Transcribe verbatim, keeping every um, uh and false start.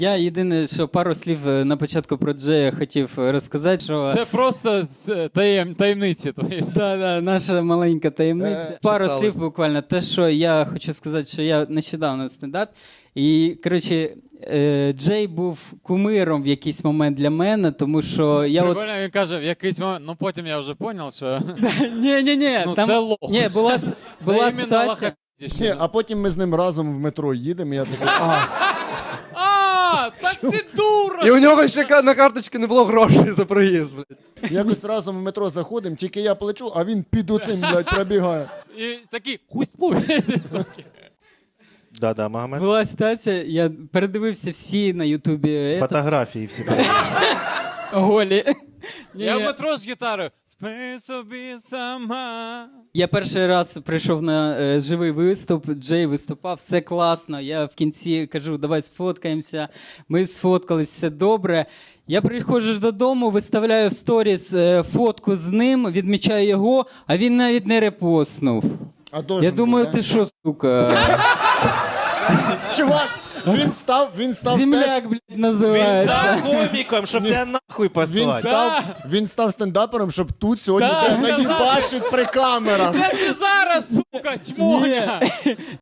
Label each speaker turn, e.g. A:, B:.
A: Я єдине, що пару слів на початку про Джея хотів розказати, що...
B: Це просто таєм, таємниці твої.
A: Да, да, наша маленька таємниця.
C: Е,
A: Пару
C: читалось.
A: слів буквально. Те, що я хочу сказати, що я нещодавно стендап. І, коротше, е, Джей був кумиром в якийсь момент для мене, тому що я от...
B: Прикольно, він каже, в якийсь момент, ну потім я вже зрозумів, що...
A: Ні-ні-ні,
B: Ну,
A: там...
B: це лох.
A: Ні, була, с- була
B: Це іменно
A: ситуація...
B: лохи.
C: Ні, а потім ми з ним разом в метро їдемо, і я такий, а,
B: А, так ти дура!
D: І у нього ще ка- на карточці не було грошей за проїзд, блядь.
C: якось разом в метро заходимо, тільки я плечу, а він під оцим, блядь, пробігає.
B: І такий, хусь луй.
E: Да-да, Магомед.
A: Була ситуація, я передивився всі на Ютубі е,
E: Фотографії всі.
A: голі. Ні,
B: Я в
A: ні.
B: метро з гітарою. Спи собі сама.
A: Я перший раз прийшов на е, живий виступ, Джей виступав, все класно. Я в кінці кажу, давай сфоткаємося. Ми сфоткались, все добре. Я приходжу ж додому, виставляю в сторіс е, фотку з ним, відмічаю його, а він навіть не репостнув.
C: А должен
A: Я думаю,
C: був, да?
A: ти що, сука?
C: Чувак, він став, він став теж,
A: Земляк, блядь, називається.
E: Став коміком, щоб тебе нахуй
C: він
E: послати.
C: став, він став стендапером, щоб тут сьогодні
B: Да,
C: тебе
B: да,
C: наїбашить при камерах.
B: Це ти зараз, сука, чмоня!